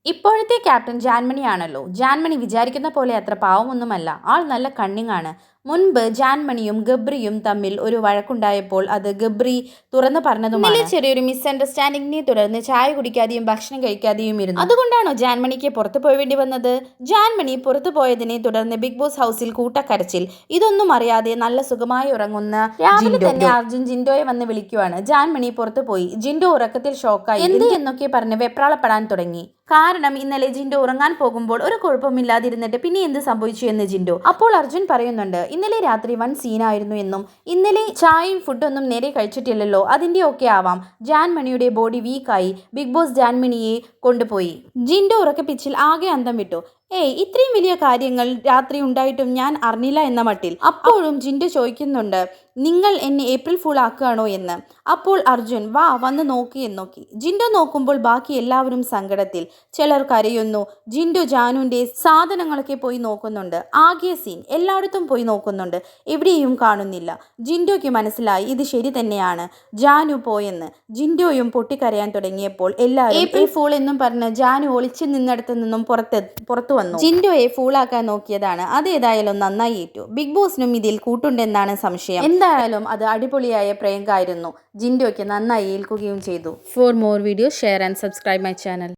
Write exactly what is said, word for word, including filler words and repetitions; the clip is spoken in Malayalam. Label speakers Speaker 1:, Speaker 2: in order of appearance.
Speaker 1: ഇപ്പോഴത്തെ ക്യാപ്റ്റൻ ജാൻമണിയാണല്ലോ. ജാൻമണി വിചാരിക്കുന്ന പോലെ അത്ര പാവമൊന്നുമല്ല. ആൾ നല്ല കണ്ണിങ്ങാണ്. മുൻപ് ജാൻമണിയും ഗബ്രിയും തമ്മിൽ ഒരു വഴക്കുണ്ടായപ്പോൾ അത് ഗബ്രി തുറന്നു പറഞ്ഞതുമാണ്. ചെറിയൊരു മിസ്അണ്ടർസ്റ്റാൻഡിങ്ങിനെ തുടർന്ന് ചായ കുടിക്കാതെയും ഭക്ഷണം കഴിക്കാതെയും ഇരുന്നു. അതുകൊണ്ടാണോ ജാൻമണിക്ക് പുറത്തു പോവേണ്ടി വന്നത്? ജാൻമണി പുറത്തു പോയതിനെ തുടർന്ന് ബിഗ് ബോസ് ഹൗസിൽ കൂട്ടക്കരച്ചിൽ. ഇതൊന്നും അറിയാതെ നല്ല സുഖമായി ഉറങ്ങുന്ന രാവിലെ തന്നെ അർജുൻ ജിൻഡോയെ വന്ന് വിളിക്കുവാണ്. ജാൻമണി പുറത്തു പോയി. ജിൻഡോ ഉറക്കത്തിൽ ഷോക്കായി എന്ത് എന്നൊക്കെ പറഞ്ഞ് വെപ്രാളപ്പെടാൻ തുടങ്ങി. കാരണം ഇന്നലെ ജിൻഡോ ഉറങ്ങാൻ പോകുമ്പോൾ ഒരു കുഴപ്പമില്ലാതിരുന്നിട്ട് പിന്നെ എന്ത് സംഭവിച്ചു എന്ന് ജിൻഡോ. അപ്പോൾ അർജുൻ പറയുന്നുണ്ട്, ഇന്നലെ രാത്രി വൻ സീനായിരുന്നു എന്നും ഇന്നലെ ചായയും ഫുഡൊന്നും നേരെ കഴിച്ചിട്ടില്ലല്ലോ, അതിൻ്റെ ഒക്കെ ആവാം. ജാൻമണിയുടെ ബോഡി വീക്കായി. ബിഗ് ബോസ് ജാൻമണിയെ കൊണ്ടുപോയി. ജിൻഡോ ഉറക്കപ്പിച്ചിൽ ആകെ അന്തം വിട്ടു. ഏയ് ഇത്രയും വലിയ കാര്യങ്ങൾ രാത്രി ഉണ്ടായിട്ടും ഞാൻ അറിഞ്ഞില്ല എന്ന മട്ടിൽ. അപ്പോഴും ജിൻഡോ ചോദിക്കുന്നുണ്ട്, നിങ്ങൾ എന്നെ ഏപ്രിൽ ഫൂൾ ആക്കുകയാണോ എന്ന്. അപ്പോൾ അർജുൻ വാ വന്ന് നോക്കി എന്നോക്കി. ജിൻഡോ നോക്കുമ്പോൾ ബാക്കി എല്ലാവരും സങ്കടത്തിൽ. ചിലർ കരയുന്നു. ജിൻഡോ ജാനുവിൻ്റെ സാധനങ്ങളൊക്കെ പോയി നോക്കുന്നുണ്ട്. ആകെ സീൻ. എല്ലായിടത്തും പോയി നോക്കുന്നുണ്ട്. എവിടെയും കാണുന്നില്ല. ജിൻഡോയ്ക്ക് മനസ്സിലായി ഇത് ശരി തന്നെയാണ്, ജാനു പോയെന്ന്. ജിൻഡോയും പൊട്ടിക്കരയാൻ തുടങ്ങിയപ്പോൾ എല്ലാവരും ഏപ്രിൽ ഫൂൾ എന്നും പറഞ്ഞ് ജാനു ഒളിച്ചു നിന്നിടത്തു നിന്നും പുറത്ത് പുറത്തു വന്നു. ജിൻഡോയെ ഫൂളാക്കാൻ നോക്കിയതാണ്. അതേതായാലും നന്നായി ഏറ്റു. ബിഗ് ബോസിനും ഇതിൽ കൂട്ടുണ്ടെന്നാണ് സംശയം. എന്തായാലും അത് അടിപൊളിയായ പ്രയങ്കായിരുന്നു. ജിൻഡോയ്ക്ക് നന്നായി ഏൽക്കുകയും ചെയ്തു. For more videos share and subscribe my channel.